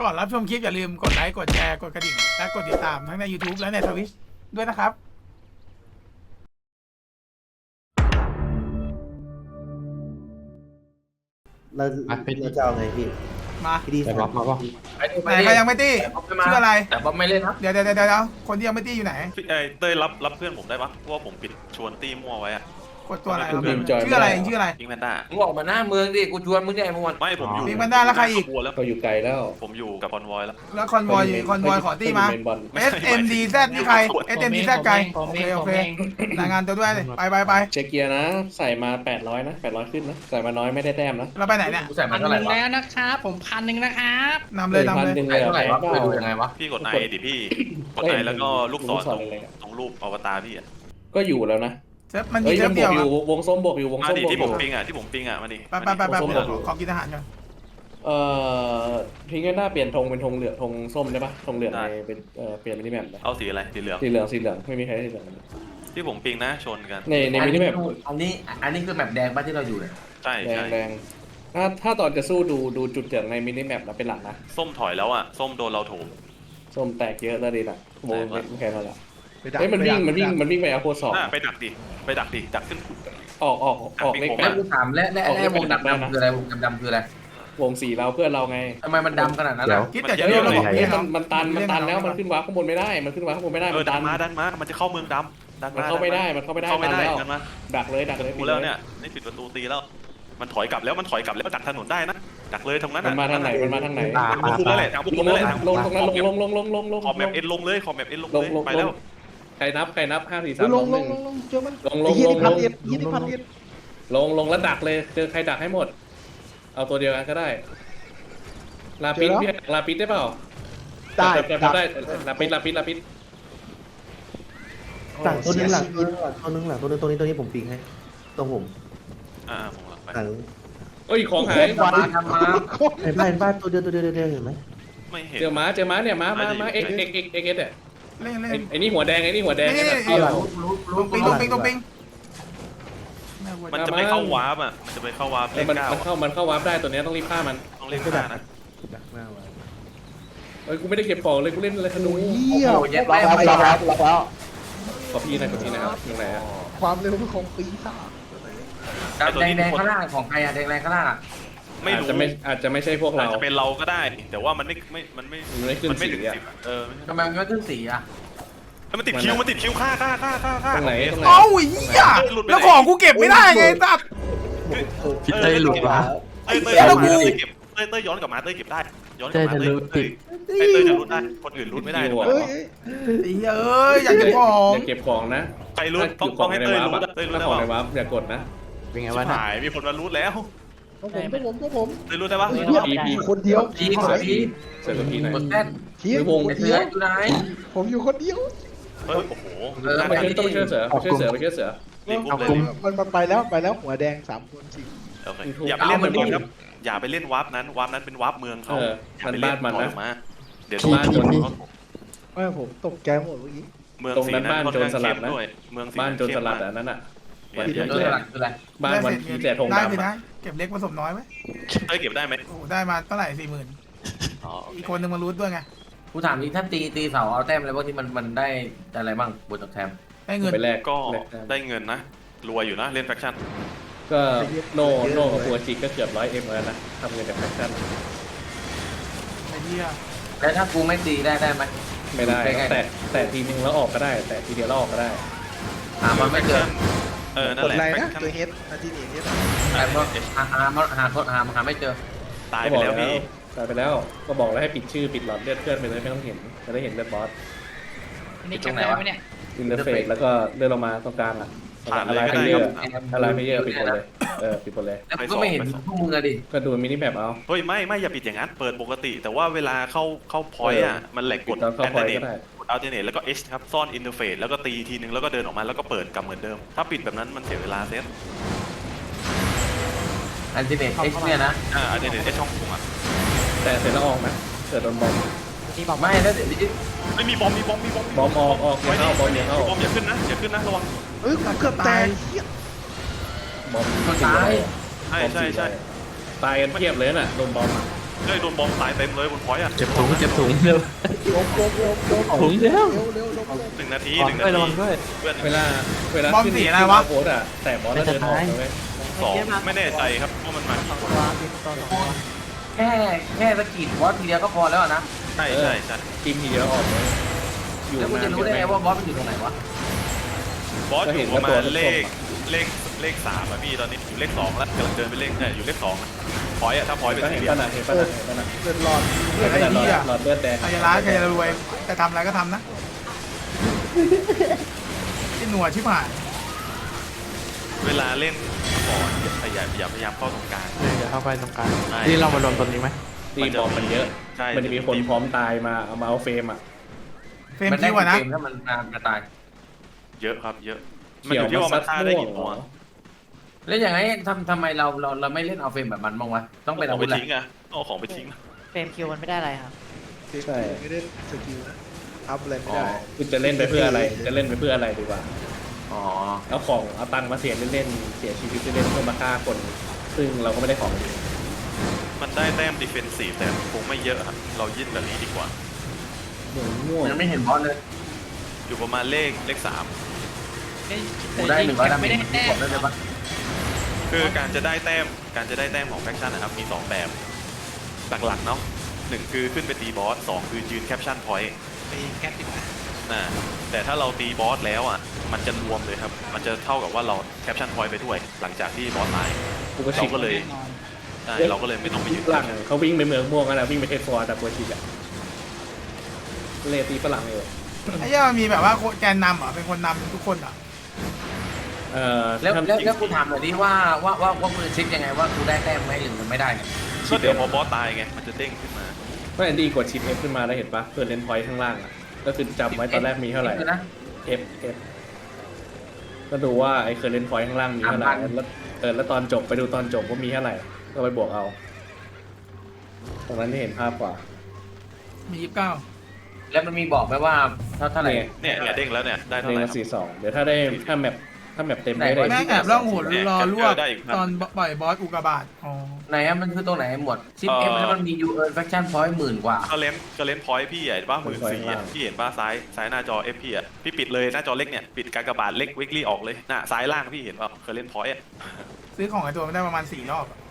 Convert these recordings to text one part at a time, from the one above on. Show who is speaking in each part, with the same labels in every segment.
Speaker 1: ก่อนรับชมคลิปอย่าลืมกดไลค์กดแชร์กดกระดิ่งและกดติดตามทั้งใน YouTube และใน Twitch ด้วยนะครับ
Speaker 2: เราจะเอาไงพี่
Speaker 1: มา
Speaker 2: พี่ดี
Speaker 3: แต่รับมาป่ะ
Speaker 1: ไหนใครยังไม่ตี้ชื่ออะไร
Speaker 4: แต่บ๊อบไม่เล่นนะ
Speaker 1: เดี๋ยวคนที่ยังไม่ตี้อยู่ไหน
Speaker 5: เต้ยรับเพื่อนผมได้ปะเพราะว่าผมปิดชวนตีมั่วไว้อะ
Speaker 1: กดตัวอะไรครับชื่ออะไรชื่ออะไร
Speaker 5: พิงแพนด้า
Speaker 4: มึงออกมาหน้าเมืองดิกูชวนมึงเนี่ยไอ้พวกมัน
Speaker 5: ไม่ผมอยู่
Speaker 1: พิงแพนด้าแล้วใครอีก
Speaker 5: บัวแล้ว
Speaker 3: ก็อยู่ไกลแล้ว
Speaker 5: ผมอยู่กับคอนวอยแล้ว
Speaker 1: แล้วคอนวอยขอตี้มา SMDZ นี่ใคร SMDZ ไกลโอเครายงานตัวด้วยไป
Speaker 3: เช็คเกียร์นะ ใส่มา800นะ800ขึ้นนะใส่มาน้อยไม่ได้แต้มนะ
Speaker 1: เราไปไหนเนี่ย
Speaker 4: กูใส่มา
Speaker 6: 1,000
Speaker 4: เท่าไหร่วะ
Speaker 6: แล้วนะครับผม1,000นะครับ
Speaker 1: นำเลย
Speaker 3: 1,000
Speaker 4: ใส่เท่าไหร่วะไปดูยังไงวะ
Speaker 5: พี่กดไอดิพี่กดไอแล้วก็ลูกศรตรงรูปอวตารพี่อะ
Speaker 3: ก็อยู่แล้วนะ
Speaker 1: เซิร์ฟมันมี
Speaker 3: เฮ้ย
Speaker 1: เซิ
Speaker 3: มั
Speaker 1: ร์ฟ
Speaker 3: นบ
Speaker 1: เดี
Speaker 3: ว
Speaker 1: ยว
Speaker 3: กอยู่วงส้มบวกอยู่วง
Speaker 5: มา
Speaker 3: ส้ม
Speaker 5: ดิ
Speaker 3: บวก
Speaker 5: ที่
Speaker 3: อ
Speaker 5: ผ
Speaker 3: ยู่
Speaker 5: มปิงมาดิ
Speaker 1: ไปขอกินอาหารก่อน
Speaker 3: ทิ้งกันหน้าเปลี่ยนธงเป็นธงเหลืองธงส้มได้ปะธงเหลืองในเป็นเปลี่ยนมินิแมปเลย
Speaker 5: เอาสีอะไรสีเหลือง
Speaker 3: สีเหลืองไม่มีใครได้สีเหลือง
Speaker 5: ที่ผมปิงนะชนกัน
Speaker 3: ในมินิแมป
Speaker 4: อันนี้คือแบบแดงบ้านที่เราอยู่เนี่ย
Speaker 5: ใช่
Speaker 3: แดง
Speaker 5: ใช่
Speaker 3: แดงถ้าตอนจะสู้ดูจุดเหลืองในมินิแมปนะเป็นหลักนะ
Speaker 5: ส้มถอยแล้วอะส้มโดนเราโถม
Speaker 3: ส้มแตกเยอะแล้วดีนะโมง
Speaker 5: แตกแล้ว
Speaker 3: ไม่แค่นั้นแหละเฮ้ยมันวิ่งไปเอาโคสอง
Speaker 5: ไปดักขึ้น
Speaker 3: ออกเลข
Speaker 5: ผม
Speaker 3: แป
Speaker 4: แล้ว
Speaker 3: ด
Speaker 4: กูถามและวงดำคืออะไรวงดำคืออะไร
Speaker 3: วงสีเราเพื่อนเราไง
Speaker 4: ทำไมมันดำขนาดนั้นอ่ะ
Speaker 1: คิดแต่จะเรียกระบบ
Speaker 3: เฮ้
Speaker 1: นี้
Speaker 3: ย
Speaker 1: ครับ
Speaker 3: มันตันแล้วมันขึ้นวาร์ปข้างบนไม่ได้มันขึ้นวาร์ปข้างบนไม่ได้
Speaker 5: ดันมามันจะเข้าเมืองดำดัน
Speaker 3: มัน
Speaker 5: มา
Speaker 3: เข้าไม่ได้ตันแล้ว
Speaker 5: กันมา
Speaker 3: ดักเลย
Speaker 5: กูแล้วเนี่ยนี่ปิดประตูตีแล้ว มันถอยกลับแล้วดักถนนได้นะดักเลยตรงนั้น
Speaker 3: มันมาทางไหน
Speaker 5: บุกคุมนั่นแหละทางบุกคุมนั่นแหละ
Speaker 3: ลงตรงนั้นลง
Speaker 5: ขอบแมปเอ็นลงเลยไปแล้ว
Speaker 3: ใครนับ5 4 3
Speaker 2: ลง
Speaker 3: 2
Speaker 2: เจอมัน
Speaker 3: 1ลงแล้วดักเลยเจอใครดักให้หมด เอาตัวเดียวกันก็ได้ลาปิดพี่ลาปิดได้เปล่าได้ลาปิด
Speaker 2: ต่างตัวนึงหลังตัวนึงตัวนี้ผมปิงให้ตรงผม
Speaker 5: ผมไป
Speaker 2: หลัง
Speaker 3: เอ้ยของหาย
Speaker 4: มาทำมา
Speaker 2: เห็นบ้านตัวเดียวเห็นไหม
Speaker 5: ไม่เห็น
Speaker 3: เจอม้าเนี่ยม้าเอ็กเนี่ย
Speaker 1: เล่น
Speaker 3: ไอ้นี่หัวแดง
Speaker 1: ตรงปิง
Speaker 5: มันจะไม่เข้าวาร์ปอ่ะมันจะไปเข้าวาร์ปเลข
Speaker 3: มัน
Speaker 5: 9
Speaker 3: เข้าวาร์ปได้ตัวนี้ต้องรีบฆ่ามัน
Speaker 5: ต้องเลข5นะ
Speaker 2: ดักหน้าไว้
Speaker 3: เอ้ยกูไม่ได้เก็บของเลยกูเล่นอะไรขนุน
Speaker 4: โอ้โหเย็บไป
Speaker 3: ขอพี่นะครับยังไงฮะ
Speaker 2: ความเร็วของปีศาจ
Speaker 4: แดงข้างล่างของใครอะแดงข้างล่างอะ
Speaker 5: ไม่รู้
Speaker 3: อาจจะไม่ใช่พวกเรา
Speaker 5: อาจจะเป็นเราก็ได้ แต่ว่ามันไม่ถึง10
Speaker 4: ทำไมมันไม่ขึ้นสีอะ
Speaker 5: มันติดคิวฆ่า
Speaker 3: ตรงไหน
Speaker 1: เอ้าเหี้ยแล้วของกูเก็บไม่ได้ไงตัด
Speaker 3: พี่เต้หลุดวะ
Speaker 5: เต้ยย้อนกลับมาเต้ยเก็บได้ย้อนกลับมาเต้ยจะรุดได้คนอื่นรุดไม่ได้ด้วย
Speaker 1: เอ้ยอยากเก็บของ
Speaker 3: อย่าเก็บของนะ
Speaker 5: ใครรุดต้องให้เต้ยรุดเต้ยรุด
Speaker 3: ถ้า
Speaker 5: ได้
Speaker 3: ของ
Speaker 5: ป่ะ
Speaker 3: ในวาร์ปอย่ากดนะ
Speaker 7: เป็นไง
Speaker 5: ชิ
Speaker 7: วะ
Speaker 5: บหายมีคนมารุดแล้ว
Speaker 2: ผม
Speaker 5: เต้ยรุดได้ป่ะ
Speaker 3: พี่
Speaker 2: คนเดียว
Speaker 4: สี
Speaker 3: เสร็จกับพี่หน่อย
Speaker 4: กดแท่น
Speaker 3: วง
Speaker 4: ไอ้เสืออยู่ไหน
Speaker 2: ผมอยู่คนเดียว
Speaker 5: โอ้โห
Speaker 3: ไปเชื่อเสือ
Speaker 5: รีบอุ้มเลย
Speaker 2: มันไปแล้วหัวแดง3 คนสิ
Speaker 5: โอเคอย่าไปเล่นมันก่อนครับอย่าไปเล่นวาร์ปนั้นเป็นวาร์ปเมืองเขาอย่าไปเล่นมันมาเดี๋ยวบ้านโจร
Speaker 2: ไม่ผมตกใจหมดเมื่อกี้
Speaker 5: เมืองสีนั้นบ้านโจรสลัดด้วยเมือง
Speaker 3: บ้านโจรสลัดอ่ะนั่นอ่ะ
Speaker 4: เจอหลักคืออะไร
Speaker 3: บ้านวันที่แต่ธง
Speaker 1: ได้
Speaker 3: ดำ
Speaker 1: สินะเก็บเล็กผสมน้อยไหม
Speaker 5: เต้ยเก็บได้ไหม
Speaker 1: โอ้ได้มาเท่าไหร่40,000อีกคนนึงมารูทด้วยไง
Speaker 4: กูถามจริงถ้าตีเสาเอาแต้มอะไรพวกที่มันได้อะไรบ้างบนจากแทม
Speaker 1: ได้เงิน
Speaker 3: ไปแลก
Speaker 5: ก็ได้เงินนะรวยอยู่นะเล่นแฟคชั่น
Speaker 3: ก็โนกับปัวจิกก็เกือบ100Mแล้วนะทำเงินจากแฟชั่น
Speaker 1: ไอ้เหี้ย
Speaker 4: แล้วถ้ากูไม่ตีได้ไหม
Speaker 3: ไม่ได้แต่ทีนึงแล้วออกก็ได้ แต่ทีเดียวแล้วออกก็ได้
Speaker 4: หามันไม่เจอ
Speaker 5: นั่นแหละ
Speaker 2: ตัวเฮดนาทีนี้
Speaker 4: แต่ว่าหาไม่เจอ
Speaker 5: ตายไปแล้วพี่
Speaker 3: ตายไปแล้วก็บอกแล้วให้ปิดชื่อปิดหลอดเลือดเพื่อนไปเลยไม่ต้องเห็นจะได้เห็นเลือดบอส
Speaker 6: อันนี้เก็บได้ไหมเนี่ย
Speaker 3: อินเทอร์เฟซแล้วก็เลื่อนลงมาตรงกลางอ่ะ
Speaker 5: ผ่านเลย
Speaker 3: อะไร
Speaker 5: ก็
Speaker 3: เพ
Speaker 5: ได้
Speaker 3: เยอ
Speaker 5: ค
Speaker 3: ร์
Speaker 5: รับ
Speaker 3: อะไรเพเยอร์ปิดหมดเลยปิดหมดเลย
Speaker 4: แล้วก็ไม่เห็นพวกมึงอะดิ
Speaker 3: ก็ดูมินิแมปเอา
Speaker 5: เฮ้ยไม่อย่าปิดอย่างนั้นเปิดปกติ แต่ว่าเวลาเข้าพอยต์อ่ะมันแหลกกด
Speaker 3: ตอนเข้า
Speaker 5: แอน
Speaker 3: พ
Speaker 5: เท
Speaker 3: อย
Speaker 5: เน
Speaker 3: ก็
Speaker 5: ต
Speaker 3: ได้
Speaker 5: กดอัลเทเนตแล้วก็ H ครับซ่อนอินเทอร์เฟซแล้วก็ตีทีนึงแล้วก็เดินออกมาแล้วก็เปิดกลับเหมือนเดิม ถ้าปิดแบบนั้นมันเสียเวลาเซต
Speaker 4: อันติเนตเอ็กซ์เนี่ยนะ
Speaker 5: อัลเทเนตช่องผมอ่ะ
Speaker 3: แต่เสร็จแล้วออกนะเกิดโดนบอม
Speaker 4: ไม่แล้วเดี๋ยวนี้
Speaker 5: ไม่มีบอม
Speaker 3: บอมออกอย่าเข้าบอมอย่าเข้า
Speaker 5: บอมอย่าขึ้นนะระวัง
Speaker 2: เฮ้ยเกือบตาย
Speaker 3: บอม
Speaker 4: คนตาย
Speaker 5: ใช่
Speaker 3: ตายกันเทียบเลยน่ะโดนบอม
Speaker 5: เฮ้ยโดนบอมตายเต็มเลยบนพอยต์อ่ะ
Speaker 7: เจ็บถุงเร็วถุงเร็ว
Speaker 5: 1 นาที
Speaker 7: ก่อนด้วยระวังด้วย
Speaker 5: เพื่อน
Speaker 3: เวลาขึ้นโพสอะแต่บอสแล้วเดินออกเลย
Speaker 5: 2ไม่แน่ใจครับว่ามันมากี่คน
Speaker 4: แค่สกิดบอสทีเดียวก็พอแล้วนะ
Speaker 5: ใช่ใช่
Speaker 3: ทีมทีเดียวออกเลยอยู่
Speaker 4: แล้วกู
Speaker 3: นาน
Speaker 4: จะรู้ได้ไงว่าบอสมันอยู่ตรงไหนวะ
Speaker 5: บอสอยู่ประมาณเลข3อ่ะพี่ตอนนี้อยู่เลข2แล้วกำลังเดินไปเลขอยู่เลข2พอยต์อ่ะถ้าพอยต์เป็น
Speaker 3: ก็
Speaker 5: สี่
Speaker 3: เห็น
Speaker 5: เหลี่ย
Speaker 3: ป่ะ
Speaker 5: ม
Speaker 3: นะเห็นป่ะนะเห็นป่ะนะ
Speaker 1: เลือดหลอดเลือด
Speaker 3: เห็
Speaker 1: ไอ้
Speaker 3: นป่ะ
Speaker 1: เหี้ย
Speaker 3: หลอดเลือดแดง
Speaker 1: ใครจะร้ายใครจะรวยจะทำอะไรก็ทำนะที่หนัวชิบหาย
Speaker 5: เวลาเล่นก่อนอย่าพยายามเข้าตรงกลาง
Speaker 7: เดี๋ยวเข้าไปตรงกลางนี่เรามารวมตรงนี้ไหม
Speaker 3: ตีบอมมันเยอะ
Speaker 5: ใช่
Speaker 3: มันจะมีคนพร้อมตายมาเอามาเอาเฟรมอ่ะ
Speaker 1: เฟรม
Speaker 4: มันได้
Speaker 1: คิวอะนะ
Speaker 4: เกมถ้ามันจะตาย
Speaker 5: เยอะครับเยอะมันอยู่ที่ว่ามันฆ่าได้กี่ตัว
Speaker 4: แล้วอย่างไรทำไมเราไม่เล่นเอาเฟรมแบบมันบ้างวะต้องเป็น
Speaker 5: เอา
Speaker 4: อา
Speaker 5: ไป
Speaker 4: วุธแหละ
Speaker 5: ทิ้งอ่ะเอาของไปทิ้ง
Speaker 8: เฟรมคิวมันไม่ได้อะไรครับ
Speaker 3: ใช่
Speaker 2: ไม่ได้สกิลนะอัพอะไรไม่
Speaker 3: อ๋อ
Speaker 2: ได้
Speaker 3: คุณจะเล่นไปเพื่ออะไรจะเล่นไปเพื่ออะไรดีกว่า
Speaker 4: อ๋อ
Speaker 3: เอาของเอาตังค์มาเสียเล่นๆเสียชีวิตเล่นๆเพื่อมาฆ่าคน ซึ่งเราก็ไม่ได้ของดี
Speaker 5: มันได้แต้มดิเฟนซีฟแต่คงไม่เยอะครับเรายื่นแบบนี้ดีกว่า
Speaker 3: หมูม่วง
Speaker 4: ยังไม่เห็นบอสเลย
Speaker 5: อยู่ประมาณเลข
Speaker 4: กูได้100ดาเม
Speaker 6: ไม่
Speaker 4: จ
Speaker 6: ได้
Speaker 4: มัน
Speaker 6: แต้
Speaker 4: บ
Speaker 6: ม
Speaker 4: อกได้เลยปะ
Speaker 5: 3คือการจะได้แต้มของแฟคชั่นนะครับมี2แบบหลักๆเนาะ1คือขึ้นไปตีบอส2คือยืนแคปชั่นพอยต์
Speaker 6: ไปแคปดีกว่า
Speaker 5: แต่ถ้าเราตีบอสแล้วอ่ะมันจะรวมเลยครับมันจะเท่ากับว่าเราแคปชั่นพอยต์ไปด้วยหลังจากที่บอสตาย
Speaker 3: กูก็ชิก
Speaker 5: เราก็เลย
Speaker 6: แน่นอน
Speaker 5: ใช่เราก็เลยไม่ต้องไปยืน
Speaker 3: ฝรั่งเขาวิ่งไปเมืองม่วงกันแล้ววิ่งไปเทสฟอร์แต่กูชิกอะเลตีฝรั่งเลย
Speaker 1: ไอ้เหี้ยมันมีแบบว่าแกนนำเหรอเป็นคนนำทุกคนเหรอ
Speaker 4: แล้วกูถามหน่อยดิว่ามือเช็คยังไงว่ากูได้แต้มไหมหรือมันไม่ได้เนี่ย
Speaker 5: ก็เดี๋ยวพอบอสตายไงมันจะเด้งขึ้นมา
Speaker 3: ไม่ดีกดชิป F ขึ้นมาแล้วเห็นปะเพื่อนเลนพอยต์ข้างล่างอ่ะก็คือจำไว้ตอนแรกมีเท่าไหร่
Speaker 4: นะ
Speaker 3: F ก็ดูว่าไอ้เคอร์เรนพอยต์ข้างล่างมีเท่าไหร่แล้วตอนจบไปดูตอนจบว่ามีเท่าไหร่ก็ไปบวกเอาตรงนั้นที่เห็นภาพกว่า
Speaker 1: มี29
Speaker 4: แล้วมันมีบอกไหมว่าเท่าไหร่
Speaker 5: เนี่ยเด้งแล้วเนี่ยได้เท่า
Speaker 3: เด้ง
Speaker 5: ไหร่
Speaker 3: ละ
Speaker 5: ครับ
Speaker 3: 42เดี๋ยวถ้าแมปเต็มได้
Speaker 1: แม่งแอบล่องหนรอลวกตอนปล่อยบอสอุกกาบาตอ๋อ
Speaker 4: ไหนอะมันคือตรงไหนหมดชิปเอฟแล้วมันมียูเอิร์นแฟคชั่นพอยต์10,000 กว่า
Speaker 5: ก็เลนพอยต์พี่ใหญ่ป้า14,000พี่เห็นป้าซ้ายหน้าจอ F พี่อ่ะพี่ปิดเลยหน้าจอเล็กเนี่ยปิดกากบาทเล็กวิกลี่ออกเลยน่ะซ้ายล่างพี่เห็นป่ะเคยเล่นพอยต์
Speaker 1: ซื้อของไอ้ตัวมันได้ประมาณ4 รอบอะ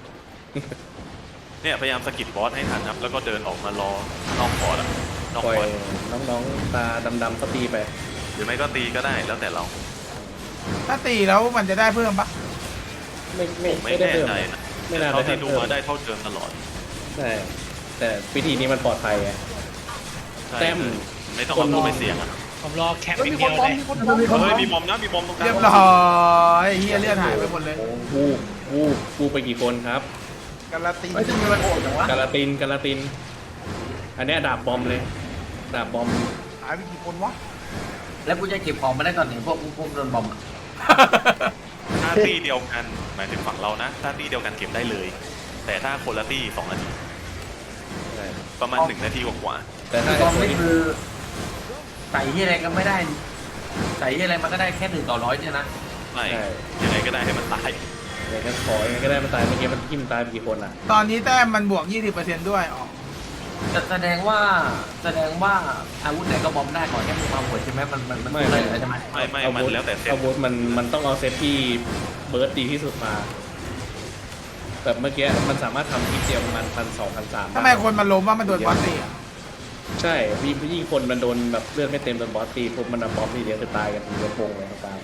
Speaker 5: เนี่ยพยายามสกิดบอสให้ทันครับแล้วก็เดินออกมารอนอกคอร์ดนอก
Speaker 3: ปล่อ
Speaker 5: คอย ร์ด
Speaker 3: น้องๆตาดำๆก็ตีไป
Speaker 5: หรือไม่ก็ตีก็ได้แล้วแต่เรา
Speaker 1: ถ้าตีแล้วมันจะได้เพิ่มปะ
Speaker 5: ไม่
Speaker 3: ได้
Speaker 5: แน่
Speaker 3: เพิ่ม
Speaker 5: ใจนะ
Speaker 3: ไม่น่า
Speaker 5: เท่า
Speaker 3: ได้
Speaker 5: ที่ดู
Speaker 3: เพิ่ม
Speaker 5: มาได้เท่าเดิมตลอด
Speaker 3: ใช่แต่วิธีนี้มันปลอดภัยไง
Speaker 5: ใช่
Speaker 3: แต้ม
Speaker 5: ไม่ต้องเอาตัวไปเสี่ยงอ่ะ
Speaker 6: ผมรอแคปอย่างเดียวเลย
Speaker 5: เฮ้ยมีบอมนะมีบอมตรงกลาง
Speaker 1: เรียบร้อยเฮียเลือดหายไปหมดเลย
Speaker 3: วูไปกี่คนครับ
Speaker 2: การันตี
Speaker 4: ไม่จะมีมันโอดจังวะ
Speaker 3: กาลาติน อันเนี้ยดาบบอมเลย ดาบบอม
Speaker 2: หายไปกี่คนวะ
Speaker 4: แล้วกูจะเก็บของมาได้ตอนไหนพวกโดนบอมอะ
Speaker 5: ถ้าตีเดียวกันหมายถึงฝั่งเรานะถ้าตีเดียวกันเก็บได้เลย แต่ถ้าคนละตี2 นาทีประมาณ1 นาทีกว่า
Speaker 3: แต่ถ้า
Speaker 4: บอม
Speaker 3: ไอ้
Speaker 4: นี่
Speaker 3: ตัว
Speaker 4: คือใส่ที่อะไรก็ไม่ได้ ใส่ที่อะไรมันก็ได้แค่1/100เนี่ยนะ
Speaker 5: ๆไม่ยังไงก็ได้ให้มันตาย
Speaker 3: อย่างนั้นขอยังไงก็ได้มันตายเมื่อกี้มันทิ่มตายไปกี่คนอ่ะ
Speaker 1: ตอนนี้แต้มมันบวก 20%ด้วยอ๋อ
Speaker 4: แสดงว่าอาวุธไหนก็บอมได้ก่อนแค่มึงมาหัวใช่ไหมมันสู้ได้เลยใช่ไหม
Speaker 5: ไม่มันแล้วแต่เซต
Speaker 3: อาวุธมันต้องเอาเซตที่เบิร์ดดีที่สุดมาแบบเมื่อกี้มันสามารถทำทีเดียวประมาณ1,200-1,300
Speaker 1: ทำไมคนมันล้มว่ามันโดนบอสตีอะ
Speaker 3: ใช่ยิ่งคนมันโดนแบบเลือดไม่เต็มโดนบอสตีปุ๊บมันเอาบอมทีเดียวคือตายกันเยอะโปงเลยครับตาย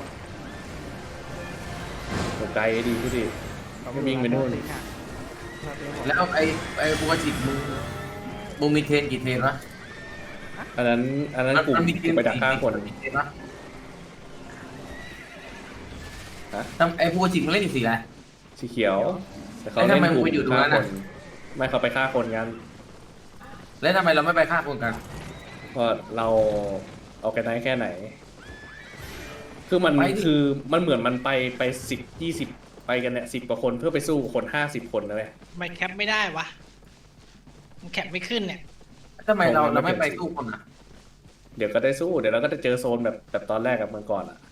Speaker 3: ตกใจดีที่ดิไม่วิ่งไปนู่น
Speaker 4: แล้วไอ้ปกติมึงมีเทรนกี่เทรนวะ
Speaker 3: อันนั้นกลุ่ม
Speaker 4: มันมีเทรน
Speaker 3: ไปดักฆ่าคน
Speaker 4: กี่เทรนวะ
Speaker 3: ฮะ
Speaker 4: ไอ้ปกติมึงเล่นกี่สีอะไร
Speaker 3: สีเขียวแต่เขา
Speaker 4: แล้วทำ
Speaker 3: เล่น
Speaker 4: ไม
Speaker 3: กลุ่
Speaker 4: มึงไปอยู่ตรง
Speaker 3: ฆ่า
Speaker 4: นั้น
Speaker 3: ค
Speaker 4: น่ะ
Speaker 3: นไม่เขาไปฆ่าคนกัน
Speaker 4: แล้วทำไมเราไม่ไปฆ่าคนกัน
Speaker 3: เพราะเราเอากันได้แค่ไหน คือมันเหมือนมันไป10-20ไปกันเนี่ย10 กว่าคนเพื่อไปสู้คน50 คนนะเว้ย
Speaker 6: ไม่แคปไม่ได้วะมันแคปไม่ขึ้นเนี่ย
Speaker 4: ทำไมเราไม่ไปสู้คนอ่ะ
Speaker 3: เดี๋ยวก็ได้สู้เดี๋ยวเราก็จะเจอโซนแบบตอนแรกกับเมืองก่อนอ่ะ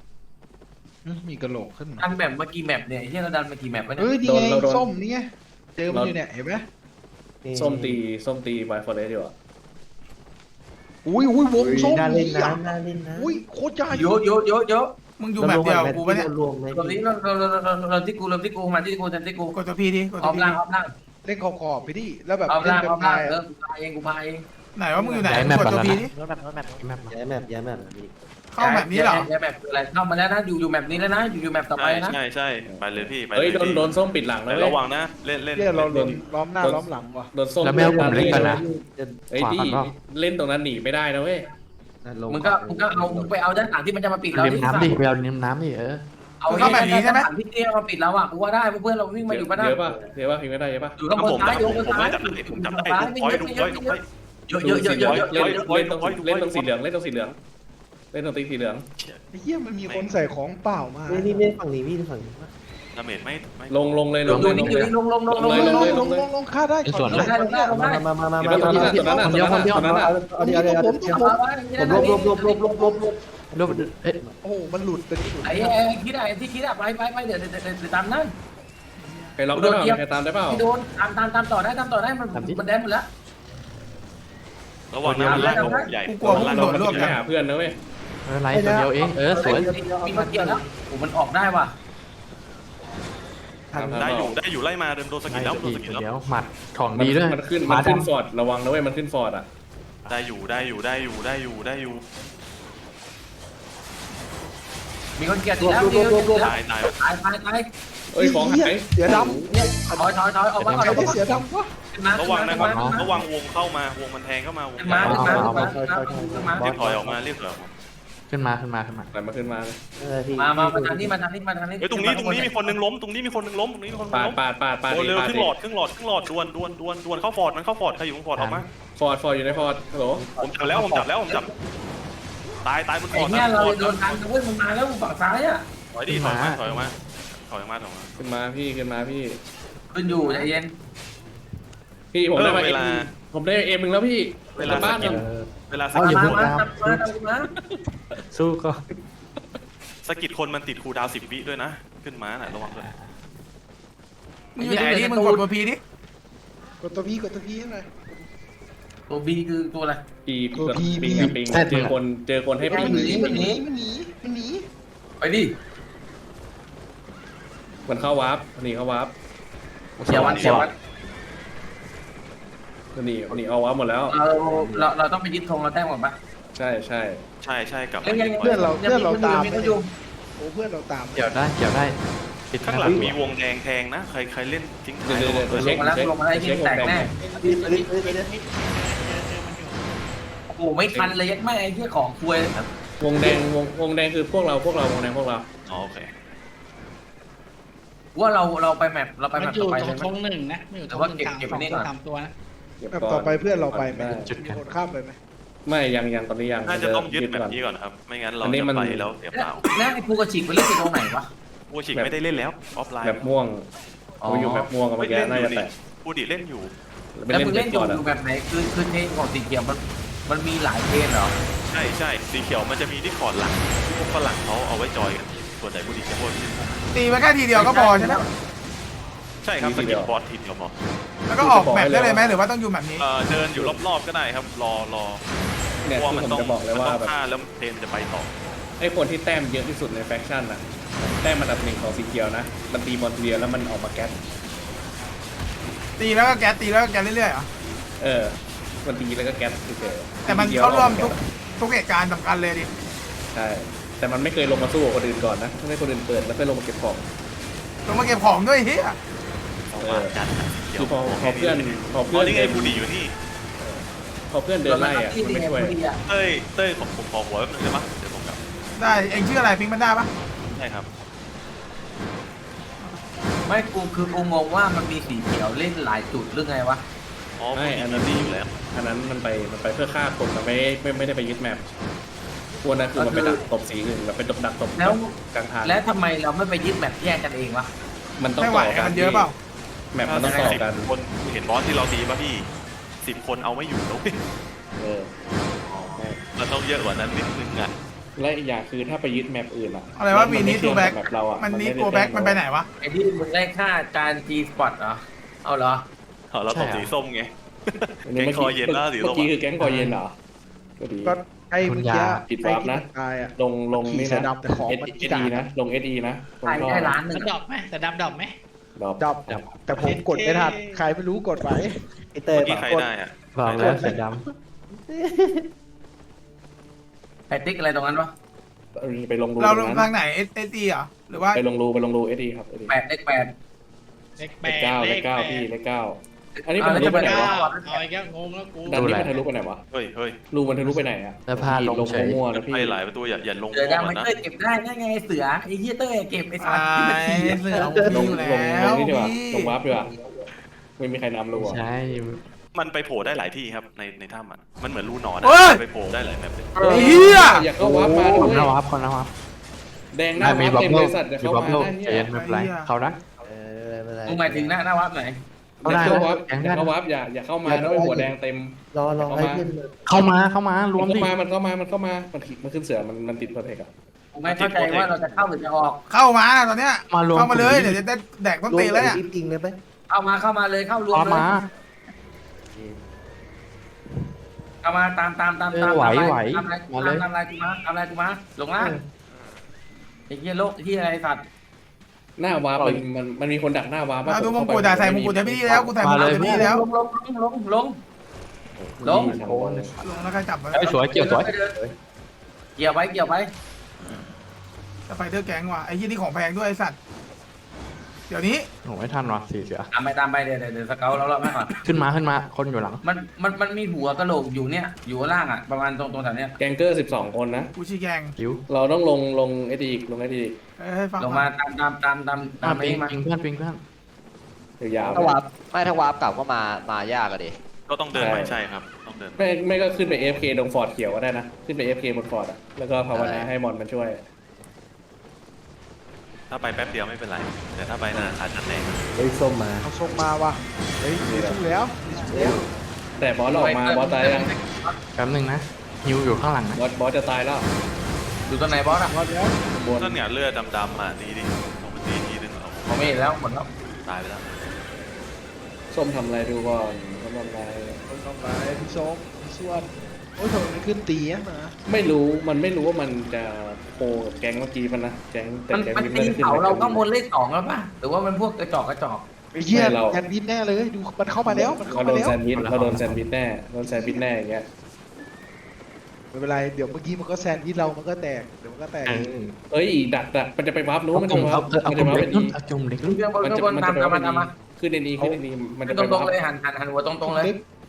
Speaker 2: มีกระโหลกขึ้นมา
Speaker 4: ดันแบบเมื่อกี้แมปเนี่ยที่เราดันเมื่อกี้แมปไปเนี่ย
Speaker 2: เฮ้ยนี่ไงส้มนี่ไง
Speaker 8: เจอมันอยู่เนี่ยเห็นไหม
Speaker 3: ส้มตีไวฟอร์เรสอยู่อ่ะ
Speaker 8: อุ้ยวงส้ม
Speaker 2: น่าเล่น
Speaker 8: นี่
Speaker 2: นะ
Speaker 8: อ่ะ
Speaker 2: น่าเล่นนะ
Speaker 8: อุ้ยโคตรใหญ่
Speaker 4: เยอะ
Speaker 1: มึงอยู่แบบเดียวกูปะเนี่ย
Speaker 2: รวมไหม
Speaker 4: ตรงนี้เราที่กูมาที่กู
Speaker 1: กดตัวพีดิกด
Speaker 4: อ
Speaker 1: ตั
Speaker 4: อ
Speaker 1: ว
Speaker 4: ม
Speaker 1: พี
Speaker 4: ล่างออมล่าง
Speaker 8: เล่นขอบไปดิแล้วแบบ
Speaker 4: ออม
Speaker 8: เล่
Speaker 4: ล่าน ง
Speaker 8: เป็
Speaker 4: ออม
Speaker 8: น
Speaker 4: ล่าง
Speaker 8: ไง
Speaker 4: กูพาเองกูพาเอง
Speaker 1: ไหนว่ามึงอยู่ไหน
Speaker 7: ย้ายแมป
Speaker 1: กดตัว
Speaker 7: ก่อนนะ
Speaker 1: พีดิ
Speaker 2: ย้ายแมปพี่
Speaker 1: เข้าแบบนี้เหรอ
Speaker 4: แมปอะไรเข้ามาแล้วนะอยู่แมปนี้แล้วนะอยู่แมปต่อไป
Speaker 5: ใช่
Speaker 4: นะ
Speaker 5: ใช่ไปเลยพี่ไปเล
Speaker 3: เฮ้ย
Speaker 5: ย
Speaker 3: โดนส้มปิดหลัง
Speaker 5: แต่
Speaker 3: แล้วเว้ย
Speaker 5: ระวังนะเล่น
Speaker 8: เนี่ยเราล้อมหน้าล้อมหลังว่ะ
Speaker 3: โดนส้ม
Speaker 7: แล้วแมวผมเล็กก่อนนะ
Speaker 3: เฮ้ยดีเล่นตรงนั้นหนีไม่ได้นะเว้ย
Speaker 4: มึงก็เอามึงไปเอาด้านหลังที่มันจะมาปิดเรา
Speaker 7: ริมน้ำดิไปเอาริมน้ำดิ
Speaker 4: เอาด้านหลังที่เตี้ยมาปิดเราอ่ะกูว่าได้เพื่อนเราวิ่งมาอยู่ก็ได้
Speaker 3: เยอะป่ะพิงไม่ได้เยอะป่ะ
Speaker 4: อยู่ข้างบนซ้ายอยู่ข้างบนซ้าย
Speaker 5: ผมจับได้คอยดูคอยดูคอย
Speaker 4: เยอะ
Speaker 3: เล่นตรงสีเหลืองเล่นตรงสีเหลืองเล่นตรงตีสีเหลือง
Speaker 8: ไอ้เหี้ยมันมีคนใส่ของเปล่ามา
Speaker 2: นี่ไม่ฝั่งนี้พี่ฝั่งนี้
Speaker 5: ดาเมจไม่
Speaker 3: ลงเลย
Speaker 4: ลงลง
Speaker 8: ฆ่าได้
Speaker 4: ลงได้
Speaker 2: มาคนเดียวเอาดิผมลบ
Speaker 8: โอ้มันหลุดเป็น
Speaker 4: ไอ้คิดอะไรที่คิดอะไปเดี๋ยวตามนั่น
Speaker 3: ใครล็อกได้เปล่าใครตามได้เปล่า
Speaker 4: ไม่โดนตามต่อได้มันแดนหมดแล้ว
Speaker 5: ระวังนะมันล่างใหญ่
Speaker 1: กูกลัวพวกมึงโดดร่วม
Speaker 3: ไป
Speaker 1: กัน
Speaker 3: หาเพื่อนนะเว้ย
Speaker 7: อะไรตัวเดียวเองสวย
Speaker 4: มีมาเกี่ยวแล้วโอ้มันออกได้ว่ะ
Speaker 5: ได้อยู่ไล่มาโดนสกิลแล้วโดนสกิลแล้ว
Speaker 7: เดี๋ยวหมัดของดีด้วย
Speaker 3: มันขึ้นฟอร์ดระวังนะเว้ยมันขึ้นฟอร์ดอ่ะ
Speaker 5: ได้อยู่
Speaker 4: มีคนเกี่ยวแล้วตาย
Speaker 3: เอ้ยของหาย
Speaker 8: เสือด
Speaker 4: เนี่ยถอยออกมา
Speaker 8: ำใครได้เสือดำวะ
Speaker 5: ระวังนะครับระวังวงเข้ามาวงมันแทงเข้ามาวง
Speaker 4: มา
Speaker 5: เรียกถอยออกมาเรียกถอยออกมา
Speaker 7: ขึ้นมา
Speaker 3: อะไรมาขึ้นมาเลย
Speaker 4: มาทางนี้
Speaker 5: เฮ้ยตรงนี้มีคนนึงล้มตรงนี้มีคนนึงล้ม
Speaker 3: ปาด
Speaker 5: โอ้เร็วครึ่งหลอดดวนเข้าฟอร์ดมันเข้าฟอร์ดใครอยู่ฟอร์ดออกมา
Speaker 3: ฟอร์ดอยู่ในฟอร์ดฮัลโหล
Speaker 5: ผมจับตายบนฟ
Speaker 4: ไอ้
Speaker 5: อร์ด
Speaker 4: เนี่ยเราโดนทันเว้ยมันมาแล้วฝั่งซ้ายอ่ะ
Speaker 5: ถอยออกมา
Speaker 3: ขึ้นมาพี่
Speaker 4: ขึ้นอยู่ใจเย็น
Speaker 3: พี่ผมได้ผมได้เอ็มหนึ่งแล้วพี่เวลาบ้าน
Speaker 5: เวลา
Speaker 4: มา
Speaker 7: สู้ก็
Speaker 5: สกิดคนมันติดคูดาว10 วิด้วยนะขึ้นมาน่ะระวังด้วย
Speaker 1: มึงอยู่ไหนดิมึงกดตัวพีดิ
Speaker 8: กดตัวพีให้หน่อย
Speaker 4: ตัวบีคือตัวอะไร
Speaker 3: ปิงเจอคนให้ปิง
Speaker 8: มันหนี
Speaker 4: ไปดิ
Speaker 3: มันเข้าวาร์ปหนีเข้าวาร์ป
Speaker 4: เขียววัน
Speaker 3: หนีเอาวาร์ปหมดแล้ว
Speaker 4: เราต้องไปยึดธงเราแต้มก่อนปะ
Speaker 3: ใช่
Speaker 5: กับ
Speaker 8: เพื่อนเราตามโอ้เพื่อนเราตาม
Speaker 7: เกี่ยวได้ปิด
Speaker 5: ข้างหลังมีวงแดงแทงนะใครเล่นทิ้งท้าย
Speaker 3: เช็ค
Speaker 4: ลงมาได้ที่แตกแน่โอ้ไม่ทันเลยยัดไม่ไอ้ที่ของคุยว
Speaker 3: งแดงคือพวกเราวงแดงพวกเรา
Speaker 5: โอเค
Speaker 4: ว่าเราไปแมปเราไป
Speaker 6: มั
Speaker 4: แม
Speaker 6: น
Speaker 4: ป
Speaker 6: อยู่
Speaker 4: ต่อไป
Speaker 6: ตร
Speaker 4: ใช่
Speaker 6: ง
Speaker 4: ไหม
Speaker 6: ธงหนึ่งนะไม่อยู่ตรงหนึ่งสามตัวนะ
Speaker 8: แบบต่อไปเพื่อนเราไปไหมมีคนข้ามไปไหม
Speaker 3: ไม่ยังตอนนี้ยัง
Speaker 5: น่าจะต้องยึดแบบนี้ก่อนครับไม่งั้นเราจะไปแล้วเสียเปล่า
Speaker 4: แล้วไอ้ภูกระชิกไปเล่นตรงไหนวะ
Speaker 5: ผู้ชิกไม่ได้เล่นแล้วออฟไลน์
Speaker 3: แบบม่วงเขาอยู่แบบม่วงกันเมื่อกี้น่าจะแตก
Speaker 5: ผู้ดิเล่นอยู่
Speaker 4: แล้วมึงเล่นอยู่แบบไหนคือเทนของสีเขียวมันมีหลายเทนเหรอ
Speaker 5: ใช่สีเขียวมันจะมีที่คอร์ดหลังที่พวกฝรั่งเขาเอาไว้จอยกันส่วนใหญ่ผู้ดิจะพวก
Speaker 1: ตีไปแค่ทีเดียวก็พอใช่ไหม
Speaker 5: ใช่ครับสกิลบอสทีเดียวพอ
Speaker 1: แล้วก็ออกแบบได้เลยไหมหรือว่าต้องอยู่แบบนี้
Speaker 5: เดินอยู่รอบๆก็ได้ครับรอ
Speaker 3: เนี่ย
Speaker 5: เพราะ
Speaker 3: คือ
Speaker 5: มัน
Speaker 3: ผม
Speaker 5: ต้อง
Speaker 3: จะบอกเลยว่าแบบ
Speaker 5: ฆ่าแล้วเทนจะไปต่อ
Speaker 3: ไอ้คนที่แต้มเยอะที่สุดในแฟคชั่นอ่ะแต้มอันดับ1ของสีเขียวนะมันตีบอลทีเดียวแล้วมันออกมาแก๊ส
Speaker 1: ตีแล้วก็แก๊สตีแล้วก็แก๊สเรื่อยๆอ่ะ
Speaker 3: มันตีแล้วก็แก๊สเฉย
Speaker 1: แต่มันเข้าร่วมทุกเหตุการณ์สำคัญเลยดิ
Speaker 3: ใช่แต่มันไม่เคยลงมาสู้กับคนอื่นก่อนนะให้คนอื่นเปิดแล้วค่อยลงมาเก็บของ
Speaker 1: ลงมาเก็บของด้วยเฮีย
Speaker 5: จัด
Speaker 3: คือพอเพื่อน
Speaker 5: นี่ไงผู้ดิอยู่นี่
Speaker 3: พอเพื่อนเดินไล่อ่ะมันไม่ช่วย
Speaker 5: เต้ยผมขอหัวแป๊บนึงได้ปะเดี๋ยวผมกลับ
Speaker 1: ได้เองชื่ออะไรพิงค์มันได้ปะ
Speaker 5: ใช่ครับ
Speaker 4: ไม่กูงงว่ามันมีสีเขียวเล่นหลายจุดหรือไงวะ
Speaker 5: อ๋อผู้ดิมันดีอยู่แล้ว
Speaker 3: อันนั้นมันไปเพื่อฆ่าคนมันไม่ได้ไปยึดแมปพวกนั้นคือมันไปดักตบสีอื่นแบบไปดักตบกลางทาง
Speaker 4: แล้วทำไมเราไม่ไปยึดแมปแยกกันเองวะ
Speaker 3: มันต้อง
Speaker 1: ไม่ไหว
Speaker 3: ต่อกัน
Speaker 1: มันเยอะเปล่า
Speaker 3: แมปมันต้องต่อกัน
Speaker 5: 10 คนเห็นบอสที่เราตีป่ะพี่10 คนเอาไม่อยู่แล้ว มันต้องเยอะกว่านั้นนิดนึงอ่ะ
Speaker 3: และอีกอย่างคือถ้าไปยึดแมปอื่นอ่ะ
Speaker 1: อะไรว่ามีนี้ตัวแบ็ก
Speaker 3: แบบเราอ่ะ
Speaker 1: มันนี้ตัวแบ็กมันไปไหนวะ
Speaker 4: ไอ้ที่มึงได้ค่าการ G spot เหรอเอาเหรอ
Speaker 5: เราตบสีส้มไง
Speaker 3: อันนี้
Speaker 5: แก๊งคอเย็นแล้วสีส้ม
Speaker 3: เมื่อกี้คือแก๊งคอเย็นเหรอก็ดี
Speaker 8: ก็ไอ้เมื่อกี้
Speaker 3: ผิดวาร์ปนะ
Speaker 8: ไอ้ที่ตายอ่ะ
Speaker 3: ลงนี่
Speaker 8: ขี่เสือ
Speaker 3: นะ
Speaker 8: ดำแต่ของมัน
Speaker 3: เอดีนะลงเอดีนะตรง
Speaker 4: ขาย
Speaker 3: ท่อ
Speaker 4: ได้ล้านหนึ่
Speaker 6: มั
Speaker 4: ง
Speaker 6: นดอกไหมแต่ดำดอกไหม
Speaker 3: ดอก
Speaker 8: ดับแต่ผมกดไม่ทันใครไม่รู้กดไป
Speaker 2: ไอเต้ย
Speaker 5: เมื่อกี้ใครได้อะ
Speaker 7: ลองแล้วเสือด
Speaker 4: ไอติ๊กอะไรตรงนั้นวะ
Speaker 3: ไปลงรู
Speaker 1: เราล
Speaker 3: ตรง ง
Speaker 1: ทา
Speaker 3: นั้น
Speaker 1: งไหนเอซีเหรอหรือว่า
Speaker 3: ไปลงรูเอดีครับเอดี
Speaker 4: 8เลข 8
Speaker 6: เลข
Speaker 3: เลขเก้า
Speaker 6: เลข
Speaker 3: พี่เลขเก้าอันนี้มัน
Speaker 4: เอา
Speaker 3: ทะลุไปไหน
Speaker 6: เก้าว
Speaker 3: ะ
Speaker 6: เอาอีกแล้วงงแล้วกู
Speaker 3: ดันนี้มันทะลุไปไหนวะ
Speaker 5: เฮ้ย
Speaker 3: รูมันทะลุไปไหนอ่ะ
Speaker 7: แล้วพาลงเฉย
Speaker 3: มั่วๆนะพี่
Speaker 5: ไพ่หลายประตูอย่าลง
Speaker 4: เสือ
Speaker 5: ก่อ
Speaker 4: ดำมัน
Speaker 5: นนะ
Speaker 4: เต้ยเก็บได้นั่นไงเสือไอ้เหี้ยเต้ยเก็บไอ้สั
Speaker 1: ไอ้
Speaker 4: ตว์ที่มันขี่
Speaker 1: เสือของ
Speaker 3: ล
Speaker 1: พี่
Speaker 3: ง
Speaker 1: อยู่
Speaker 3: ล
Speaker 1: แล้
Speaker 3: ง
Speaker 1: ว
Speaker 3: นี่ดีกว่า
Speaker 1: พี่
Speaker 3: ลงวาร์ปดีกว่าไม่มีใครนำรูอ่ะ
Speaker 7: ใช่
Speaker 5: มันไปโผล่ได้หลายที่ครับในถ้ำมันเหมือนรูหนอน
Speaker 1: เฮ้ย
Speaker 5: ไปโผล่ได้หลายแบบเลย
Speaker 1: ไอ้เหี้ย
Speaker 3: อยากเข้าวาร์ปมาด้
Speaker 7: ค
Speaker 3: วน ย
Speaker 7: ละวับคนละวับ
Speaker 3: แดงหน้า
Speaker 7: มี
Speaker 3: วาร์ป
Speaker 7: บับ
Speaker 3: เต็ม
Speaker 7: เบิ้
Speaker 3: บ
Speaker 7: ล
Speaker 3: ริษัทจะ
Speaker 7: มี
Speaker 3: เข้า
Speaker 7: บับ
Speaker 3: มา
Speaker 7: เบิ้ล
Speaker 3: ได้
Speaker 7: ใจ
Speaker 3: เนี่ย
Speaker 7: เย็นไม่เป็นไรเขานะ
Speaker 2: ไม่เป็นไร
Speaker 4: มึงหมายถึงหน้าวับไหน
Speaker 7: เข้าได้
Speaker 3: เข้าวาร์ป
Speaker 7: แก๊ง
Speaker 3: อ
Speaker 7: ได้
Speaker 3: ย่าเข้าวาร์ปอย่าเข้ามาด้วยหัวแดงเต็ม
Speaker 2: รอให้เพื่อน
Speaker 7: เข้ามารวม
Speaker 3: มัน
Speaker 7: ดิ
Speaker 3: เข้ามามันขึ้นเสือมันติดโปรเทคอะ
Speaker 4: กูไม่เข้าใจว่าเราจะเข้าหรือจะออก
Speaker 1: เข้ามาตอนเนี้ย
Speaker 7: มารวม
Speaker 1: เข้ามาเลยเดี๋ยวจะได้แดกต้นตีนแล้วเนี่ย
Speaker 2: รีบจริงเลยไหม
Speaker 4: เข้ามาเลยเข้ารวม
Speaker 7: เอา
Speaker 4: เลย
Speaker 7: มา
Speaker 4: เข้ามาตาม
Speaker 7: ไหว
Speaker 4: ตามอะไร
Speaker 7: มาเลย
Speaker 4: ตามอะไรกูมาลงล่างไอ้เหี้ยโลกไอ้เหี้ยอะไรสัตว์
Speaker 3: หน้าวาร์ปมันมีคนดักหน้าวาร์ป
Speaker 1: ดูมงกุฎใส่มงกุฎจะพี่แล้วกูใส่มงกุฎจะพี่แล้ว
Speaker 4: ลงลง
Speaker 1: ลงแล้วใครจับ
Speaker 7: ไอ้สวยเกี่ยวสวย
Speaker 4: เกี่ยวไว้
Speaker 1: จะไปเทอร์แก๊งว่ะไอ้ยี่นี่ของแพงด้วยไอ้สัตว์เดี๋ยวนี้
Speaker 7: โอ้ไม่ทันว่ะสี่เสือ
Speaker 4: ตามไปเดี๋ยวสเกลแล้วไม่ก่อน
Speaker 7: ขึ้นมาคนอยู่หลัง
Speaker 4: มันมีหัวกะโหลกอยู่เนี่ยอยู่ข้างล่างอ่ะประมาณตรงแถวเนี้ย
Speaker 3: แกงเกอร์12 คนนะ
Speaker 1: กูชี้แกง
Speaker 7: คิว
Speaker 3: เราต้องลงเอดีลงเอดี
Speaker 1: ให้ฟัง
Speaker 4: ลงมาตาม
Speaker 7: ปิ
Speaker 4: นี้
Speaker 7: ง
Speaker 4: มา
Speaker 7: เพื่อนปิงเพื่อน
Speaker 3: ยาว
Speaker 9: ถ้าวาร์ปไม่ถ้าวาร์ปกลับก็มายากอะดิ
Speaker 5: ก็ต้องเดินไปใช่ครับต้องเดิน
Speaker 3: ไม่ก็ขึ้นไป AFK ตรงฟอร์ดเขียวก็ได้นะขึ้นไป AFK บนฟอร์ดอะแล้วก็ภาวนาให้มอนมันช่วย
Speaker 5: ถ้าไปแป๊บเดียวไม่เป็นไร แต่ถ้าไปนานอาจจะแรง
Speaker 2: เฮ้ยส้มมา
Speaker 8: เอาส่งมาว่ะเฮ้ยมีสู้แล้ว
Speaker 3: แต่บอสออกมาบอสตายยัง
Speaker 7: แป๊บนึงนะฮิวอยู่ข้างหลังนะ
Speaker 3: บอสจะตายแล้ว
Speaker 4: ดูตรงไหนบอสอ่ะ
Speaker 8: รอดแล้ว
Speaker 3: บน
Speaker 5: นั่นเนี่ยเลือดดำๆอ่ะดีดิเอามันดีทีนึงเอา
Speaker 4: ผมไม่เห็นแล้วหมดแล้ว
Speaker 5: ตายไปแล้ว
Speaker 3: ส้มทำอะไรดูก่อนส้มทำอะไร
Speaker 8: ต้องทำร้ายพี่ส้มพี่ส่วนโอ้ยทำไมมันขึ้นตีอ่ะมา
Speaker 3: ไม่รู้ว่ามันจะโคกับแก๊งเมื่อกี้มันนะแก๊งแต่
Speaker 4: มัน
Speaker 3: แก๊ง
Speaker 4: มัน
Speaker 3: วิน
Speaker 4: ตี
Speaker 3: ไม่ได้ขึ้น
Speaker 4: เสาเราข้างบนเลข2แล้วป่ะหรือว่ามันพวกกระจอก
Speaker 8: ไอ้เหี้ยแอนดินแน่เลยดูมันเข้ามาแล้วมันเข้า
Speaker 3: เรา
Speaker 8: มา
Speaker 3: โดน
Speaker 8: แล้ว
Speaker 3: แซนด์วิชเราโดนแซนด์วิชแน่อย่างเงี้ย
Speaker 8: ไม่เป็นไรเดี๋ยวเมื่อกี้มันก็แซนด์วิชเรามันก็แตกเดี๋ยวมันก็แตก
Speaker 3: เอ้ยดักมันจะไปวาร์ปนู้น
Speaker 7: เอา
Speaker 3: มัน
Speaker 7: กลุ่
Speaker 3: จะ
Speaker 7: ม
Speaker 3: วาร์ป
Speaker 7: เอา
Speaker 3: มัน
Speaker 7: ก
Speaker 3: จะ
Speaker 7: ลุ่ม
Speaker 3: วาร์ป
Speaker 7: เล็
Speaker 3: เป็
Speaker 7: ก
Speaker 3: น
Speaker 7: นู่
Speaker 3: ดี
Speaker 7: นเอากลุ่มเล็ก
Speaker 4: ขึ้นเบื้องบน
Speaker 3: มัน
Speaker 4: ข้าง
Speaker 3: จะ
Speaker 4: บน
Speaker 3: มัน
Speaker 4: ตา
Speaker 3: จะ
Speaker 4: ม
Speaker 3: ไปวาร์ป
Speaker 4: มา
Speaker 3: เป็นดีขึ้นในนี้มันจะ
Speaker 4: ต
Speaker 3: ไป
Speaker 4: รง
Speaker 3: วาร์
Speaker 4: ๆ
Speaker 3: ป
Speaker 4: เลยหันหัวตรงๆเลย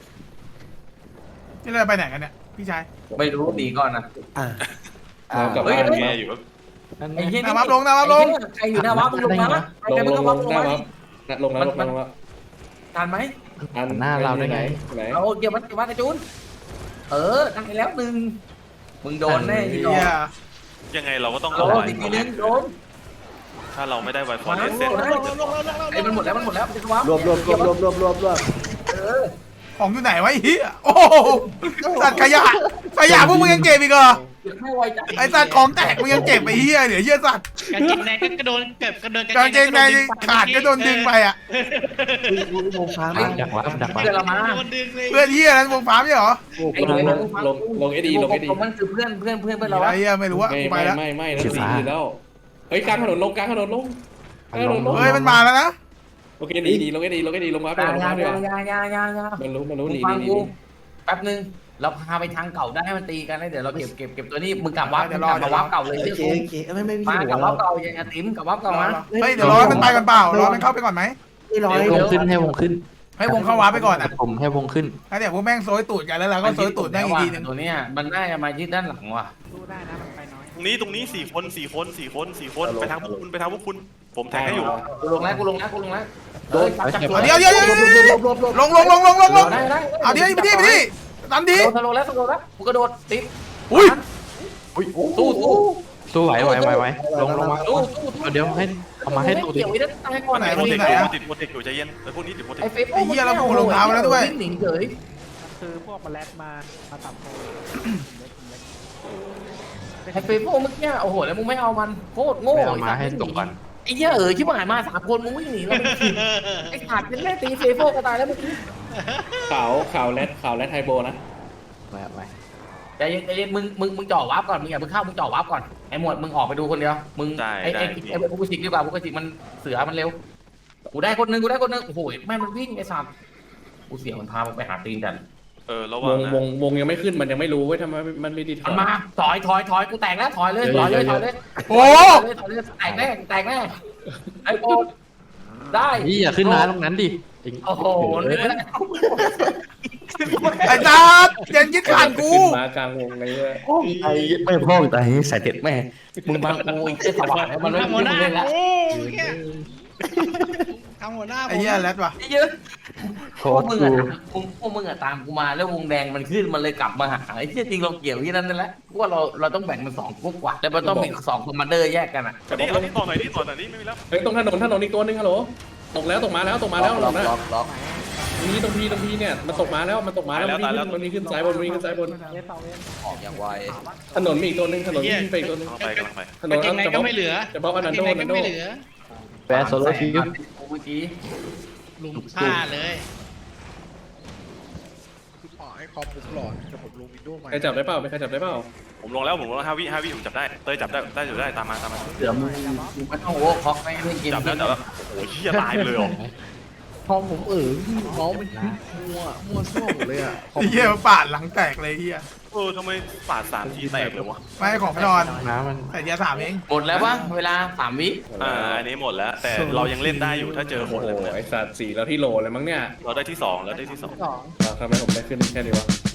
Speaker 1: นี่เราไปไหนกันเนี่ยพี่ชาย
Speaker 4: ไม่รู้ดีก่อนนะ
Speaker 2: อ่ะ
Speaker 3: เรากลับ
Speaker 4: เฮ้ย
Speaker 3: บ้าน
Speaker 5: แง่อยู่ว่า
Speaker 4: ไอ้เหี้ย
Speaker 1: หน้าวับลงหน้าวับลง
Speaker 4: ใครอยู่หน้าวับมึงลงมา
Speaker 3: ลง
Speaker 4: ใคร
Speaker 3: ล
Speaker 4: ไม่
Speaker 3: ง
Speaker 4: ต้อง
Speaker 3: ล
Speaker 4: วับ
Speaker 3: ง
Speaker 4: ลง
Speaker 3: หน้า
Speaker 4: มา
Speaker 3: วับลงแล้ว
Speaker 4: ทันไหม
Speaker 7: หน้าเราได้ไง
Speaker 3: ไหน
Speaker 4: เอาเกี่ยวมันไอ้จูนได้แล้วหนึ่งมึงโดนแน่
Speaker 1: เฮี
Speaker 4: ที่โดน
Speaker 1: ย
Speaker 5: ยังไงเราก็ต้อง
Speaker 4: โด
Speaker 5: เอา
Speaker 4: น
Speaker 5: ไว้
Speaker 4: อีกทีนึงโดน
Speaker 5: ถ้าเราไม่ได้ไวฟอร์เรสเซน
Speaker 4: ไอ้มันหมดแล้วจะวับ
Speaker 2: รวบ
Speaker 1: ของอยู่ไหนวะไอ้เฮียโอ้โหสัตว์ขยะพวกมึงยังเก็บอีกเหรอ
Speaker 4: ไม่ไวใจ
Speaker 1: ไอ้สัตว์ของแตกมึงยังเก็บไอ้เฮียเดี๋ยวเฮียสัตว์
Speaker 6: กางเกงในก็กระโดนเก็บกระโดน
Speaker 1: กางเกงในขาดก็โดนดึงไปอ่ะ
Speaker 2: อุ้ยโมฟ้ามา
Speaker 7: ดักวับ
Speaker 4: เพื่อนเรามา
Speaker 6: โดนดึงเลย
Speaker 1: เพื่อนเฮียนั้นวงฟ้าไม่ใช่เหรอ
Speaker 4: ไอ้หนุ่ย
Speaker 3: ลงเอดีลงเอดี
Speaker 4: มันคือเพื่อนเรา
Speaker 1: ไอ้เฮียไม่รู้อะกูไปแล้ว
Speaker 3: ไม่แล้วสีแล้วเฮ้ยกลางถนนลงกลางถนนลง
Speaker 1: เฮ้ยมันมาแล้วนะ
Speaker 3: โอเคดีลงเอดีลงวาร์ป
Speaker 4: ยา
Speaker 3: ลงวาร์ปดีกว่า
Speaker 4: ยา
Speaker 3: มันรู้ดี
Speaker 4: แป๊บนึงเราพาไปทางเก่าได้ให้มันตีกันแล้วเดี๋ยวเราเก็บตัวนี้มึงกลับวับมาวับเก่าเลย
Speaker 2: โอเคโอเคไม่พี่
Speaker 4: มา
Speaker 2: หั
Speaker 4: กับ
Speaker 2: ว
Speaker 4: วั
Speaker 2: เรา
Speaker 4: บเก่าอย่างติ๋มกับวับเก่ามา
Speaker 1: เฮ้ยเดี๋ยวรอมันไปกันเปล่ารอมันเข้าไปก่อนไหม
Speaker 2: ไม่ร้อย
Speaker 7: วงขึ้นให้วงขึ้น
Speaker 1: ให้วงเข้าวาร์ปไปก่อนอ่ะ
Speaker 7: ผมให้วงขึ้น
Speaker 1: แล้วเดี๋ยวพวกแม่งโซยตูดกันแล้วเราก็โซยตูดได้อีกทีนึง
Speaker 4: ตัวเนี้ยมันน่าจะมายึดด้านหลังว่ะ
Speaker 5: ตรงนี้4 คนไปทางพวกคุณผมแทงให้อยู่
Speaker 4: กูลงแล้ว
Speaker 1: เดี๋ยวลงเอาเดี๋ยวไปดิตามดี
Speaker 4: ลงแล้วกูกระโดดติด
Speaker 1: อุ้ย
Speaker 4: สู้
Speaker 7: ไหวลงมาเดี๋ยวให้เอามาให้ตัวดิ
Speaker 4: เกี่ยวไว้ด้านใต้ก่อน
Speaker 5: ติดโปรเทคอยู่ใจเย็นไอ้พวกนี้ติดโปรเทค
Speaker 4: ไอ้เฟซหนิงเฉย
Speaker 8: คือพวกมาแลดมาตับโต
Speaker 4: ไอ้เฟซพวกเมื่อกี้โอ้โหแล้วมึงไม่เอามันโคตรโง่
Speaker 7: เอามาให้ตกก่อน
Speaker 6: ไอ้
Speaker 4: อ้เหี้ยชิบหายมา3 คนมึงวิ่งหนีเราไม่ผิดไอ้ขาดเป็นแม่ตีเซโฟก็ตายแล้วเมื่อกี้
Speaker 3: ข่าวแรดไฮโบนะ
Speaker 7: ไม่
Speaker 4: ใจเย็นมึงจ่อวาร์ปก่อนมึงอย่าเพิ่งเข้ามึงจ่อวาร์ปก่อนไอ้หมวดมึงออกไปดูคนเดียวมึงไอ้พวกกูสิกดีกว่าพวกกูสิกมันเสือมันเร็วกูได้คนนึงโอ้โหแม่มันวิ่งไอ้สัตว์กูเสียมันพามึงไปหาตีนกัน
Speaker 5: ระวังนะ
Speaker 3: วงยังไม่ขึ้นมันยังไม่รู้เว้ยทำไมมันไม่ดี
Speaker 4: มันมาถอยกูแตกแล้วถอยเลย
Speaker 1: โอ้
Speaker 4: ถอยเลยแตกแน่ไอ้โบได้
Speaker 7: นี่อย่าขึ้นมาตรงนั้นดิ
Speaker 4: โอ้โหนี่ไม่ได้
Speaker 1: ไอ้ตายังยึดขาดกู
Speaker 3: ขึ้นมากลางวงเลยเว้ย
Speaker 7: ไอ้ไม่พ่อตายใส่เด็ดแม่
Speaker 4: มึงบังกูอีกแค่สว่างมันไม่
Speaker 6: ทำหัวหน้า
Speaker 4: เล่นละ
Speaker 6: โอ้ยเนี่ยทำหัวหน้า
Speaker 1: ไอ้เหี้ยแรดว่ะ
Speaker 4: ไอ้เยอะ
Speaker 7: โค
Speaker 4: พวก
Speaker 7: ตร
Speaker 4: มึง
Speaker 7: กู
Speaker 4: พวกมึงตามกูมาแล้ววงแดงมันขึ้นมันเลยกลับมาหาไอ้ที่จริงเราเกี่ยวที่นั่นแหละว่าเราต้องแบ่งเป็น2 พวกกว่าแล้วมันต้องมี2 คอมมานเดอร์แยกกันอ่ะ
Speaker 5: เอาที่ต่อหน่อยนี่ไม่มีแล้ว
Speaker 3: เฮ้ยตรงถนนอีกตัวนึงฮัลโหลตกมาแล้ว
Speaker 9: ล็อกล็อก
Speaker 3: ตรงพีเนี่ยมันตกมาแล้วมันมีขึ้นซ้ายบนอ
Speaker 9: อกอย่างไว
Speaker 3: ถนนมีอีกตัวนึงถนนวิ่งไปอีกตัวนึง
Speaker 5: กำลังไป
Speaker 3: ถนน
Speaker 6: เก่งไหนก็ไม่เหลือ
Speaker 3: จะบอกอนันโด
Speaker 6: เก่งไหนก็ไม่เหลือ
Speaker 7: แปะโซโล่คิว
Speaker 4: เมื่อกี้
Speaker 6: ลุมฆ่าเลย
Speaker 8: คุณหมอให้คอมผมหลอนแต่ผมลงวินโดว์ใหม่
Speaker 3: ใครจับได้เปล่า
Speaker 5: ผมลงแล้ว5 วิผมจับได้เต้ยจับได้ตามมา
Speaker 4: เสือมึงไม่ต้องโอ้คอกไม่เล่นเกม
Speaker 5: จับแล้วโอ้ยเหี้ยตายไปเลยเหรอ
Speaker 8: คอมผมเมาส์มันมั่วซั่วหมดเลยอ่ะ
Speaker 1: ไอ้เหี้ยปาดหลังแตกเลยเหี้ย
Speaker 5: ทำไมปาด3 ทีแตกเลยวะ
Speaker 1: ไม่ให้ของพนอน
Speaker 7: น้ำมัน
Speaker 1: แต่เดียว3เอง
Speaker 4: หมดแล้วปะเวลา3 วิ
Speaker 5: อันนี้หมดแล้วแต่เรายังเล่นได้อยู่ถ้าเจอคน
Speaker 3: โอ้โหไอสัตว์4แล้วที่โหลเลยมั้งเนี่ย
Speaker 5: เราได้ที่2แล้วได้ที่2
Speaker 3: ทำไมผมได้ขึ้นแค่นี้วะ